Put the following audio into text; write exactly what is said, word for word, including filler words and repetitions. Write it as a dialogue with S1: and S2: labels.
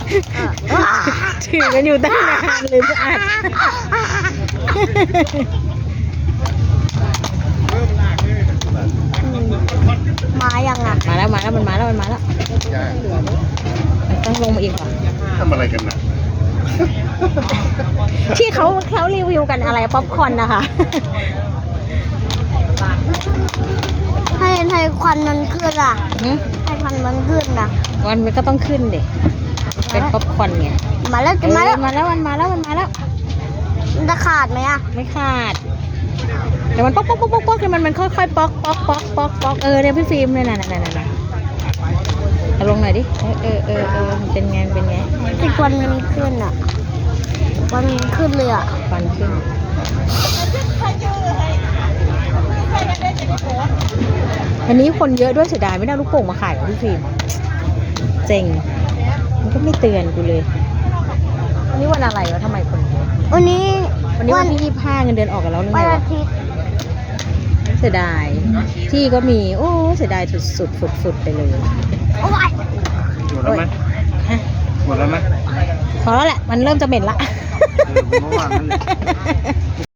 S1: ถือกันอยู่ตั้งนานเลยจะอัด
S2: มายังอ่ะ
S1: มาแล้วมาแล้วมันมาแล้วมันมาแล้วมันต้องลงมาอีกเหรอ
S3: ทำอะไรกันนะ
S1: ที่เขาเขารีวิวกันอะไรป๊อปคอร์นนะคะ
S2: ให้ให้ควันมันขึ้นอ่ะ
S1: หืม
S2: ให้ควันมันขึ้นอ่ะ
S1: วันมันก็ต้องขึ้นดิเป็นป๊อปคอร์นไง
S2: มาแล้ว
S1: เอ
S2: จะมา
S1: อ
S2: แล้ว
S1: มาแล้วมันมาแล้วมันมาแล้ว
S2: มันจะขาดไหมอ่ะ
S1: ไม่ขาดแต่มันป๊อกป๊อกป๊อกป๊อกป๊อกคือมันมันค่อยๆป๊อกป๊อกป๊อกป๊อกป๊อกเออเนี่ยพี่ฟิล์มเนี่ยน่ะน่ะน่ะน่ะเอาลงหน่อยดิเออเออเออเออมันเป็นไงเป็นไง
S2: ที่ควันมันขึ้นอ่ะควันมันขึ้นเลยอ่ะ
S1: ฟันขึ้นวันนี้คนเยอะด้วยเสียดายไม่ได้เอาลูกโป่งมาขายของพี่ฟิล์มเจ๋งมันก็ไม่เตือนกูเลยวันนี้วันอะไรวะทำไมคนเยอะ
S2: วันนี้
S1: วันนี้วันที่ยี่สิบห้าเงินเดือนออกกันแล้วหรือ
S2: วั
S1: ไง
S2: น
S1: วะ
S2: อาทิตย์
S1: เสียดายที่ก็มีโอ้เสียดายสุดสุดฟุดฟุดไปเลย
S2: โอ้ย
S3: หมดแล้วไหม
S1: ฮะ
S3: หมดแล้วไหม
S1: พอแล้วแหละมันเริ่มจะเหม็นละ
S3: เออเมื่อวานนั่นแหละ